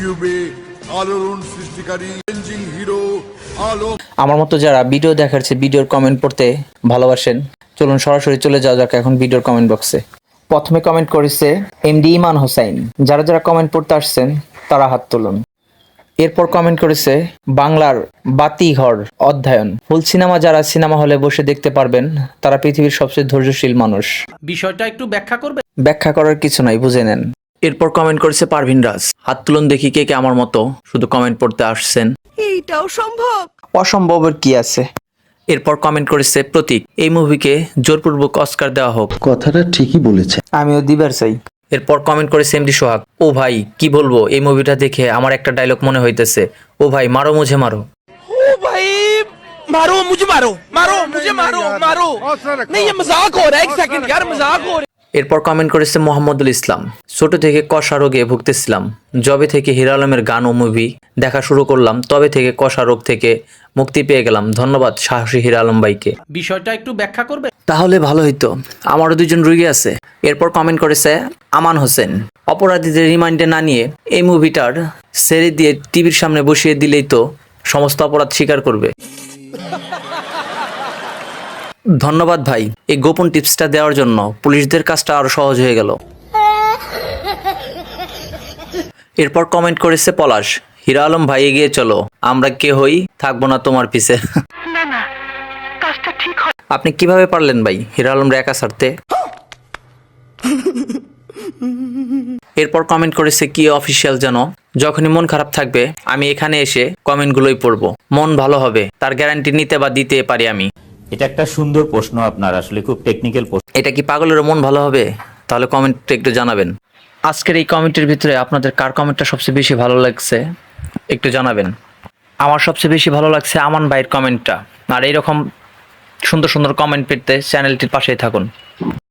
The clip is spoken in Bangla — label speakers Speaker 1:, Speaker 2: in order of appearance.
Speaker 1: ইউটিউবে আলোড়ন সৃষ্টিকারী চেঞ্জিং হিরো আলো।
Speaker 2: আমার মতো যারা ভিডিও দেখার চেয়ে ভিডিওর কমেন্ট পড়তে ভালোবাসেন, চলুন সরাসরি চলে যাওয়া যাক এখন ভিডিওর কমেন্ট বক্সে। প্রথমে কমেন্ট করেছে এমডি ইমান হোসাইন। যারা যারা কমেন্ট পড়তে আসছেন তারা হাত তুলুন। এরপর কমেন্ট করেছে বাংলার বাতিঘর অধ্যয়ন। ফুল সিনেমা যারা সিনেমা হলে বসে দেখতে পারবেন তারা পৃথিবীর সবচেয়ে ধৈর্যশীল মানুষ।
Speaker 3: বিষয়টা একটু ব্যাখ্যা করবে?
Speaker 2: ব্যাখ্যা করার কিছু নাই, বুঝে নেন। এরপর কমেন্ট করেছে পারভিন রাজ। হাত তুলুন দেখি কে কে আমার মতো শুধু কমেন্ট পড়তে আসছেন।
Speaker 4: এইটাও সম্ভব?
Speaker 2: অসম্ভবের কি আছে। এরপর কমেন্ট করেছে প্রতীক। এই মুভিকে জোরপূর্বক অস্কার দেওয়া হোক।
Speaker 5: কথাটা ঠিকই বলেছে।
Speaker 2: আমিও দিবার চাই। এরপর কমেন্ট করেছে এমডি সোহাগ। ও ভাই কি বলবো, এই মুভিটা দেখে আমার একটা ডায়লগ মনে হইতেছে, ও ভাই মারো মুঝে মারো।
Speaker 4: ओ भाई मारो मुझे, मारो मारो मुझे, मारो मारो। नहीं ये मजाक हो रहा है, एक सेकंड यार, मजाक हो रहा है।
Speaker 2: এরপর কমেন্ট করেছে মোহাম্মদুল ইসলাম। ছোট থেকে কষা রোগে ভুগতেছিলাম, যবে থেকে হিরো আলমের গান ও মুভি দেখা শুরু করলাম তবে থেকে কষা রোগ থেকে মুক্তি পেয়ে গেলাম। ধন্যবাদ সাহসী হিরো আলম ভাইকে।
Speaker 3: বিষয়টা একটু ব্যাখ্যা করবে?
Speaker 2: তাহলে ভালো হইতো, আমারও দুজন রোগী আছে। এরপর কমেন্ট করেছে আমান হোসেন। অপরাধীদের রিমান্ডে না নিয়ে এই মুভিটার ছেড়ে দিয়ে টিভির সামনে বসিয়ে দিলেই তো সমস্ত অপরাধ স্বীকার করবে। ধন্যবাদ ভাই, এই গোপন টিপসটা দেওয়ার জন্য পুলিশদের কাজটা আরো সহজ হয়ে গেল। এরপর কমেন্ট করেছে পলাশ। হিরো আলম ভাই এগিয়ে চলো, আমরা কেহই থাকবো না তোমার পিছে। আপনি কিভাবে পারলেন ভাই হিরো আলমরা একা ছাড়তে? এরপর কমেন্ট করেছে কি অফিসিয়াল যেন। যখনই মন খারাপ থাকবে আমি এখানে এসে কমেন্টগুলোই পড়বো, মন ভালো হবে তার গ্যারান্টি নিতে বা দিতে পারি আমি।
Speaker 6: এটা একটা সুন্দর প্রশ্ন, আপনার আসলে খুব টেকনিক্যাল প্রশ্ন।
Speaker 2: এটা কি পাগলেরও মন ভালো হবে? তাহলে কমেন্টটা একটু জানাবেন। আজকের এই কমেন্টের ভিতরে আপনাদের কার কমেন্টটা সবচেয়ে বেশি ভালো লাগছে একটু জানাবেন। আমার সবচেয়ে বেশি ভালো লাগছে আমান ভাইয়ের কমেন্টটা। আর এইরকম সুন্দর সুন্দর কমেন্ট পেতে চ্যানেলটির পাশেই থাকুন।